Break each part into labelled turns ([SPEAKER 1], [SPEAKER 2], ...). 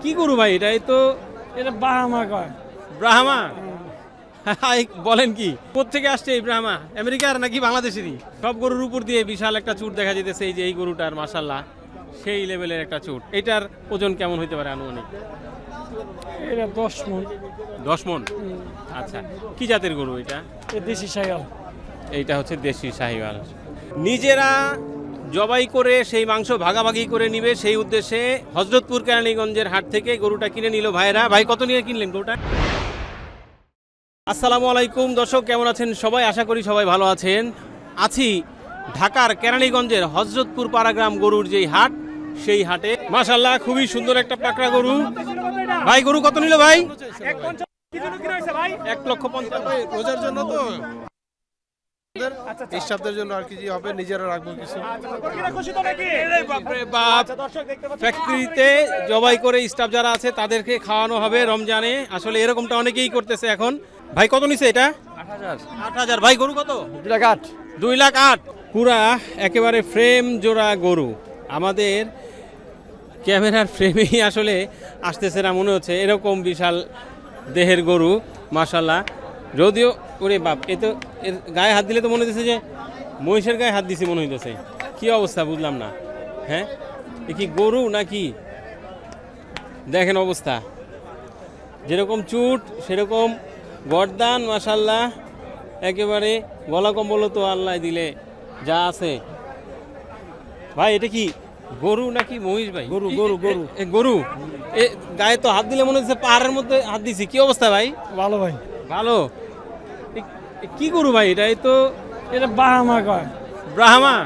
[SPEAKER 1] কি গরু ভাই এটা? তো
[SPEAKER 2] এটা বাহামা কয়।
[SPEAKER 1] ব্রাহ্মা। বলেন কি, কোত্থেকে আসছে এই ব্রাহ্মা? আমেরিকার নাকি বাংলাদেশেরই? সব গরুর উপর দিয়ে বিশাল একটা চুট দেখা যেতেছে, এই যে এই গরুটার মাশাআল্লাহ সেই লেভেলের একটা চুট। এটার ওজন কেমন হইতে পারে আনুমানিক?
[SPEAKER 2] এটা 10 মণ।
[SPEAKER 1] 10 মণ। আচ্ছা, কি জাতের গরু এটা?
[SPEAKER 2] এ দেশি শাইওয়াল।
[SPEAKER 1] এইটা হচ্ছে দেশি শাহিওয়াল। নিজেরা জবাই করে সেই মাংস ভাগাভাগি করে নিবে, সেই উদ্দেশ্যে হযরতপুর কেরানীগঞ্জের হাট থেকে গরুটা কিনে নিল ভাইরা। ভাই কত নিয়ে কিনলেন গরুটা? আসসালামু আলাইকুম দর্শক, কেমন আছেন সবাই? আশা করি সবাই ভালো আছেন। আছি ঢাকার কেরানীগঞ্জের হযরতপুর পাড়াগ্রাম গরুর যেই হাট, সেই হাটে মাশাআল্লাহ খুবই সুন্দর একটা পাকড়া গরু। ভাই গরু কত নিল ভাই? 1,50,000।
[SPEAKER 3] রোজার জন্য তো স্টাফদের জন্য আর কি হবে, নিজেরা রাখবো কিছু।
[SPEAKER 1] ফ্যাক্টরিতে জবাই করে স্টাফ যারা আছে তাদেরকে খাওয়ানো হবে রমজানে। আসলে এরকমটা অনেকেই করতেছে এখন। ভাই কত নিছে এটা? 8,000। ভাই গরু কত? 2,08,000। পুরা একেবারে ফ্রেম জোড়া গরু। আমাদের ক্যামেরার ফ্রেমেই আসলে আসতেছে না মনে হচ্ছে, এরকম বিশাল দেহের গরু মাশাআল্লাহ। যদিও ওরে বাপ, এ তো এর গায়ে হাত দিলে তো মনে হচ্ছে যে মহিষের গায়ে হাত দিছি মনে হইতেছে। কি অবস্থা বুঝলাম না। হ্যাঁ, এ কি গরু নাকি? দেখেন অবস্থা, যেরকম চুট সেরকম গর্দান মাশাআল্লাহ। একেবারে গলা কম্বল তো আল্লাহ দিলে যা আছে। ভাই এটা কি গরু নাকি মহিষ ভাই?
[SPEAKER 2] গরু, গরু, গরু।
[SPEAKER 1] গরু। এ গায়ে তো হাত দিলে মনে হচ্ছে পাহাড়ের মধ্যে হাত দিছি। কি অবস্থা ভাই?
[SPEAKER 2] ভালো ভাই।
[SPEAKER 1] ভালো। কি গরু ভাই এটা? তো
[SPEAKER 2] এটা বাহামা কয়।
[SPEAKER 1] ব্রাহ্মা।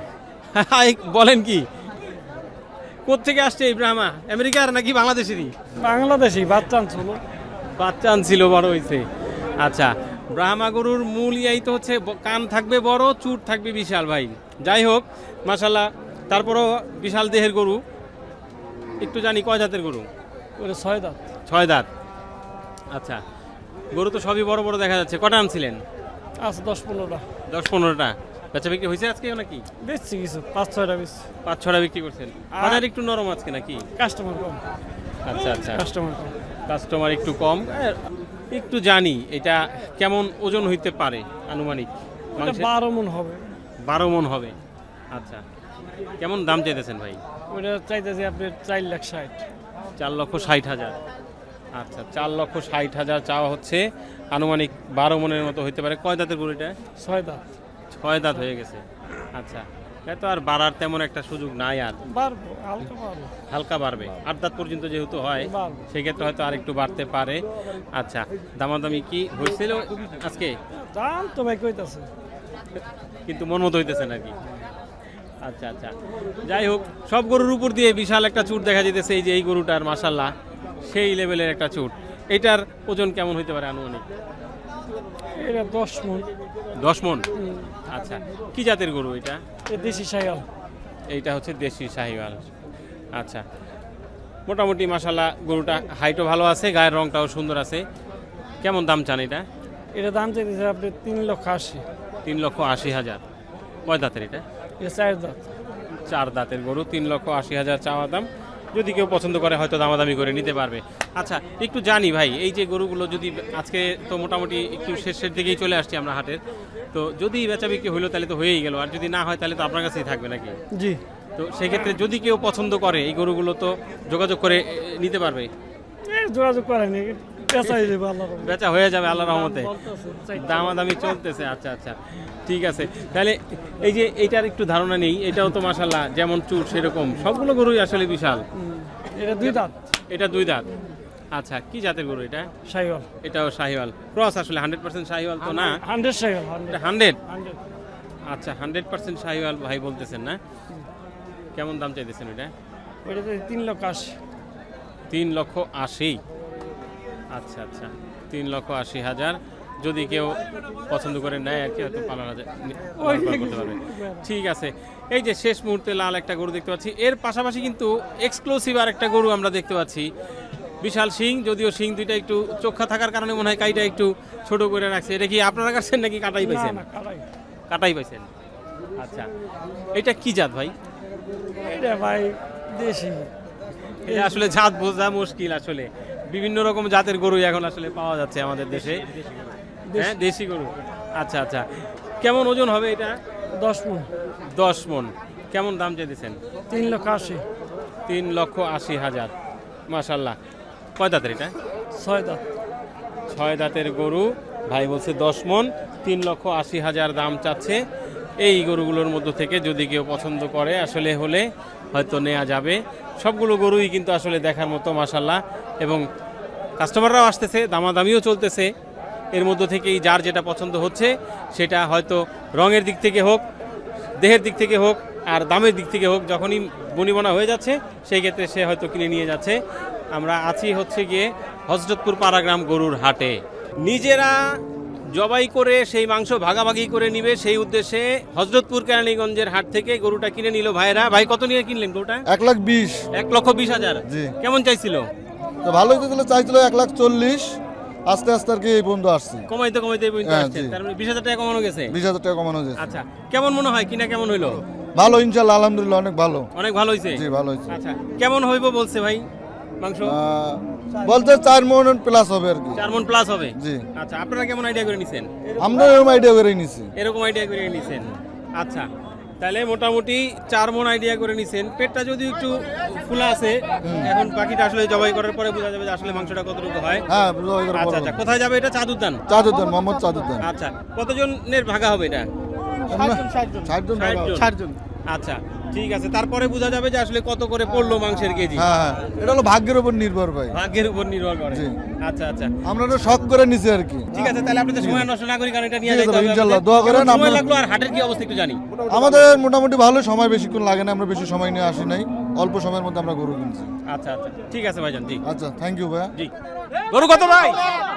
[SPEAKER 1] বলেন কি, কোত্থেকে আসছে এই ব্রাহ্মা? আমেরিকার নাকি বাংলাদেশেরই?
[SPEAKER 2] বাংলাদেশি বাচ্চা আনছিল।
[SPEAKER 1] বাচ্চা আনছিল, বড় হয়েছে। আচ্ছা, ব্রাহ্মা গরুর মূল ইয়াই তো হচ্ছে কান থাকবে বড়, চুট থাকবে বিশাল ভাই। যাই হোক মাশাআল্লাহ, তারপরও বিশাল দেহের গরু। একটু জানি কয় দাঁতের গরু?
[SPEAKER 2] ওটা 6 দাঁত।
[SPEAKER 1] 6 দাঁত। আচ্ছা, গরু তো সবই বড় বড় দেখা যাচ্ছে। কটা আনছিলেন?
[SPEAKER 2] আছে 10-15টা।
[SPEAKER 1] 10-15টা। বেচা বিক্রি হয়েছে আজকে নাকি?
[SPEAKER 2] বেচছি কিছু, 5-6টা বেচছি।
[SPEAKER 1] 5-6টা বিক্রি করছেন। বাজার একটু নরম আজকে নাকি?
[SPEAKER 2] কাস্টমার কম।
[SPEAKER 1] আচ্ছা আচ্ছা,
[SPEAKER 2] কাস্টমার কম।
[SPEAKER 1] কাস্টমার একটু কম। একটু জানি এটা কেমন ওজন হইতে পারে আনুমানিক?
[SPEAKER 2] এটা 12 মণ হবে।
[SPEAKER 1] 12 মণ হবে। আচ্ছা, কেমন দাম চাইতেছেন ভাই?
[SPEAKER 2] ওটা চাইতেছি আপনার 4,60,000।
[SPEAKER 1] 4,60,000। আচ্ছা, 4,60,000 চাওয়া হচ্ছে। আনুমানিক 12 মণের মতো হইতে পারে। কয় দাঁতের গরু এটা?
[SPEAKER 2] 6 দাঁত।
[SPEAKER 1] 6 দাঁত হয়ে গেছে। আচ্ছা, এত আর বাড়ার তেমন একটা সুযোগ নাই আর।
[SPEAKER 2] বাড়বো, হালকা বাড়বো।
[SPEAKER 1] হালকা বাড়বে। 8 দাঁত পর্যন্ত যেহেতু হয়,
[SPEAKER 2] বাড়বে।
[SPEAKER 1] সেক্ষেত্রে হয়তো আর একটু বাড়তে পারে। আচ্ছা, দামাদামি কি হয়েছিল আজকে?
[SPEAKER 2] দাম তো ভাই কইতাছে,
[SPEAKER 1] কিন্তু মন মতো হইতেছে নাকি? আচ্ছা আচ্ছা, যাই হোক, সব গরুর উপর দিয়ে বিশাল একটা চুট দেখা যেতেছে, এই যে এই গরুটার মাশাআল্লাহ সেই লেভেলের একটা চুট। এটার ওজন কেমন হইতে পারে আনুমানিক?
[SPEAKER 2] এটা 10 মণ।
[SPEAKER 1] 10 মণ। আচ্ছা, কি জাতের গরু এটা?
[SPEAKER 2] এ দেশি শাইওয়াল।
[SPEAKER 1] এইটা হচ্ছে দেশি শাহিওয়াল। আচ্ছা, মোটামুটি মাশাআল্লাহ গরুটা হাইটও ভালো আছে, গায়ের রংটাও সুন্দর আছে। কেমন দাম চান এটা?
[SPEAKER 2] এটা দাম চাইতেছে আপনি 3,80,000।
[SPEAKER 1] 3,80,000। কয় দাঁতের এটা?
[SPEAKER 2] এটা 4 দাঁত।
[SPEAKER 1] 4 দাঁতের গরু, 3,80,000 চাওয়া দাম। যদি কেউ পছন্দ করে হয়তো দামাদামি করে নিতে পারবে। আচ্ছা, একটু জানি ভাই, এই যে গরুগুলো যদি আজকে তো মোটামুটি একটু শেষের দিকেই চলে আসছি আমরা হাটের, তো যদি বেচা বিক্রি হইলো তাহলে তো হয়েই গেল, আর যদি না হয় তাহলে তো আপনার কাছেই থাকবে নাকি?
[SPEAKER 2] জি।
[SPEAKER 1] তো সেক্ষেত্রে যদি কেউ পছন্দ করে এই গরুগুলো তো যোগাযোগ করে নিতে পারবে।
[SPEAKER 2] যোগাযোগ করেনি, পেঁচাই যাবে আল্লাহর রহমতে।
[SPEAKER 1] বেচা হয়ে যাবে আল্লাহর রহমতে।
[SPEAKER 2] বলতেছে, চাইতে।
[SPEAKER 1] দামাদামি চলতেছে। আচ্ছা আচ্ছা, ঠিক আছে। তাহলে এই যে এইটার একটু ধারণা নেই, এটাও তো মাশাআল্লাহ যেমন চুর সেরকম সবগুলো গরুই আসলে বিশাল।
[SPEAKER 2] এটা 2 দাঁত।
[SPEAKER 1] এটা 2 দাঁত। আচ্ছা, কি জাতের গরু এটা?
[SPEAKER 2] শাইওয়াল।
[SPEAKER 1] এটাও শাহিওয়াল ক্রস। আসলে 100% শাহিওয়াল তো না?
[SPEAKER 2] 100 শাইওয়াল।
[SPEAKER 1] এটা 100।
[SPEAKER 2] 100।
[SPEAKER 1] আচ্ছা, 100% শাহিওয়াল ভাই বলতেছেন না? কেমন দাম চাইতেছেন এটা?
[SPEAKER 2] ওইটাতে 3,80,000।
[SPEAKER 1] 3,80,000। আচ্ছা আচ্ছা, 3,80,000। যদি কেউ পছন্দ করে নেয় আর কি, হয়তো 15,000 করতে পারবে। ঠিক আছে। এই যে শেষ মুহূর্তে লাল একটা গরু দেখতে পাচ্ছি, এর পাশাপাশি কিন্তু এক্সক্লুসিভ আর একটা গরু আমরা দেখতে পাচ্ছি। বিশাল শিং, যদিও শিং দুইটা একটু চোখা থাকার কারণে মনে হয় কাইটা একটু ছোট করে রাখছে। এটা কি আপনারা কাটছেন নাকি কাটাই পাইছেন?
[SPEAKER 2] না, কাটাই।
[SPEAKER 1] কাটাই পাইছেন। আচ্ছা, এটা কি জাত ভাই?
[SPEAKER 2] এটা ভাই দেশি।
[SPEAKER 1] এটা আসলে জাত বোঝা মুশকিল আসলে বিভিন্ন রকম জাতের গরু এখন আসলে পাওয়া যাচ্ছে আমাদের দেশে হ্যাঁ দেশি গরু আচ্ছা আচ্ছা কেমন ওজন হবে এটা
[SPEAKER 2] 10 মণ
[SPEAKER 1] 10 মণ কেমন দাম চাইতেছেন
[SPEAKER 2] 3,80,000
[SPEAKER 1] 3,80,000 মাশাআল্লাহ কয় দাঁতের এটা
[SPEAKER 2] 6 দাঁত
[SPEAKER 1] 6 দাঁতের গরু ভাই বলছে 10 মণ 3,80,000 দাম চাচ্ছে এই গরুগুলোর মধ্য থেকে যদি কেউ পছন্দ করে আসলে হলে হয়তো নেওয়া যাবে সবগুলো গরুই কিন্তু আসলে দেখার মতো মাশাআল্লাহ এবং কাস্টমাররাও আসতেছে দামাদামিও চলতেছে এর মধ্য থেকেই যার যেটা পছন্দ হচ্ছে সেটা হয়তো রঙের দিক থেকে হোক দেহের দিক থেকে হোক আর দামের দিক থেকে হোক যখনই বনিবনা হয়ে যাচ্ছে সেই ক্ষেত্রে সে হয়তো কিনে নিয়ে যাচ্ছে আমরা আছি হচ্ছে গিয়ে হযরতপুর পাড়াগ্রাম গরুর হাটে নিজেরা জবাই করে সেই মাংস ভাগাভাগি করে নিবে সেই উদ্দেশ্যে হযরতপুর কেরানীগঞ্জের হাট থেকে গরুটা কিনে নিল ভাইরা ভাই কত নিয়ে কিনলেন গরুটা
[SPEAKER 4] 1,20,000
[SPEAKER 1] 1,20,000
[SPEAKER 4] জি।
[SPEAKER 1] কেমন চাইছিল
[SPEAKER 4] তো ভালোই তো তাহলে চাইছিল 1,40,000 আস্তে আস্তে আর কি এই বন্ধু আসছি
[SPEAKER 1] কমাইতে কমাইতে এই পর্যন্ত
[SPEAKER 4] হ্যাঁ,
[SPEAKER 1] আসছেন
[SPEAKER 4] জি।
[SPEAKER 1] তার মানে 20,000 টাকা কমানো গেছে
[SPEAKER 4] 20,000 টাকা কমানো যাচ্ছে
[SPEAKER 1] আচ্ছা কেমন মনে হয় কিনা কেমন হইলো
[SPEAKER 4] ভালো ইনশাআল্লাহ আলহামদুলিল্লাহ অনেক ভালো
[SPEAKER 1] অনেক ভালো হয়েছে
[SPEAKER 4] জি ভালো হয়েছে
[SPEAKER 1] আচ্ছা কেমন হইব বলছে ভাই মাংস
[SPEAKER 4] বলতে 4 মণ প্লাস হবে আর কি
[SPEAKER 1] 4 মণ প্লাস হবে
[SPEAKER 4] জি
[SPEAKER 1] আচ্ছা আপনারা কেমন আইডিয়া করে নিছেন
[SPEAKER 4] আমরা এরকম আইডিয়া করে নিছি
[SPEAKER 1] এরকম আইডিয়া করে নিছেন আচ্ছা তাহলে মোটামুটি 4 মণ আইডিয়া করে নিছেন পেটটা যদি একটু ফুলা আছে এখন বাকিটা আসলে জবাই করার পরে বোঝা যাবে যে আসলে মাংসটা কতটুকু হয়
[SPEAKER 4] হ্যাঁ বুঝা হয়ে গেল
[SPEAKER 1] আচ্ছা আচ্ছা কোথায় যাবে এটা চাঁদুদ্দান
[SPEAKER 4] চাদুদ্দান মোহাম্মদ চাদুদ্দান
[SPEAKER 1] আচ্ছা কতজনের ভাগা হবে এটা
[SPEAKER 4] 60 জন
[SPEAKER 1] 60 জন আচ্ছা ঠিক আছে তারপরে বোঝা যাবে যে আসলে কত করে পড়লো মাংসের কেজি
[SPEAKER 4] হ্যাঁ হ্যাঁ এটা হলো ভাগ্যের উপর নির্ভর ভাই
[SPEAKER 1] ভাগ্যের উপর নির্ভর করে
[SPEAKER 4] জি।
[SPEAKER 1] আচ্ছা আচ্ছা
[SPEAKER 4] আমরা তো শখ করে নিছি আর কি
[SPEAKER 1] ঠিক আছে তাহলে আপনাদের সময় নষ্ট না করি কারণ এটা নিয়ে
[SPEAKER 4] ঠিক আছে
[SPEAKER 1] যাইতে
[SPEAKER 4] ভাই,
[SPEAKER 1] হবে
[SPEAKER 4] ইনশাআল্লাহ,
[SPEAKER 1] আমাদের।
[SPEAKER 4] দোয়া করেন,
[SPEAKER 1] কেমন সময়
[SPEAKER 4] আপনারা-
[SPEAKER 1] লাগলো আর হাটের কি অবস্থা একটু জানি
[SPEAKER 4] আমাদের মোটামুটি ভালো সময় বেশিক্ষণ লাগে না আমরা বেশি সময় নিয়ে আসি নাই অল্প সময়ের মধ্যে আমরা গরু কিনছি
[SPEAKER 1] আচ্ছা আচ্ছা ঠিক আছে ভাইজান জি
[SPEAKER 4] আচ্ছা থ্যাংক ইউ ভাইয়া
[SPEAKER 1] জি গরু কত ভাই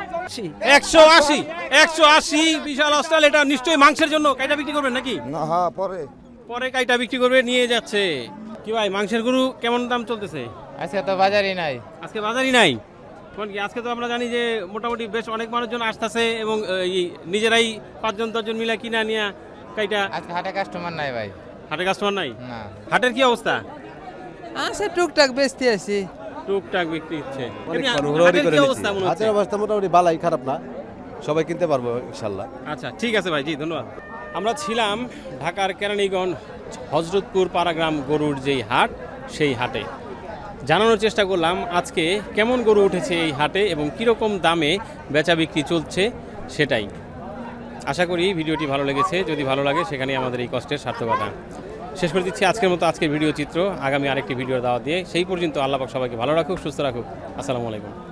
[SPEAKER 1] 180 বিশাল অস্ট্রাল এটা নিশ্চয়ই মাংসের জন্য কাইটা বিক্রি করবেন নাকি
[SPEAKER 4] না হ্যাঁ পরে
[SPEAKER 1] পরে কাইটা বিক্রি করবে নিয়ে যাচ্ছে কি ভাই মাংসের গরু কেমন দাম চলতেছে
[SPEAKER 5] আজকে তো বাজারই নাই
[SPEAKER 1] আজকে বাজারই নাই কোন কি আজকে তো আমরা জানি যে মোটামুটি বেশ অনেক মানুষজন আসতেছে এবং নিজেরাই 5জন 10জন মিলে কিনা নিয়ে কাইটা
[SPEAKER 5] আজকে হাটে কাস্টমার নাই ভাই
[SPEAKER 1] হাটে কাস্টমার নাই
[SPEAKER 5] না
[SPEAKER 1] হাটের কি অবস্থা
[SPEAKER 5] আছে টুকটাক বেচতে আছি
[SPEAKER 1] টুকটাক বিক্রি হচ্ছে
[SPEAKER 6] অনেক
[SPEAKER 1] এমনি
[SPEAKER 6] হুড়োহুড়ি
[SPEAKER 1] হাটের
[SPEAKER 6] করে
[SPEAKER 1] কি
[SPEAKER 6] নিচ্ছি।
[SPEAKER 1] অবস্থা মনে হচ্ছে
[SPEAKER 6] হাতের অবস্থা মোটামুটি ভালোই খারাপ না সবাই কিনতে পারবো ইনশাল্লাহ
[SPEAKER 1] আচ্ছা ঠিক আছে ভাই জি ধন্যবাদ আমরা ছিলাম ঢাকার কেরানীগঞ্জ হযরতপুর পাড়াগ্রাম গরুর যেই হাট সেই হাটে জানানোর চেষ্টা করলাম আজকে কেমন গরু উঠেছে এই হাটে এবং কীরকম দামে বেচা বিক্রি চলছে সেটাই আশা করি ভিডিওটি ভালো লেগেছে যদি ভালো লাগে সেখানেই আমাদের এই কষ্টের সার্থকতা শেষ করে দিচ্ছি আজকের মতো আজকের ভিডিও চিত্র আগামী আরেকটি ভিডিও দাওয়া দিয়ে সেই পর্যন্ত আল্লাহ পাক সবাইকে ভালো রাখুক সুস্থ রাখুক আসসালামু আলাইকুম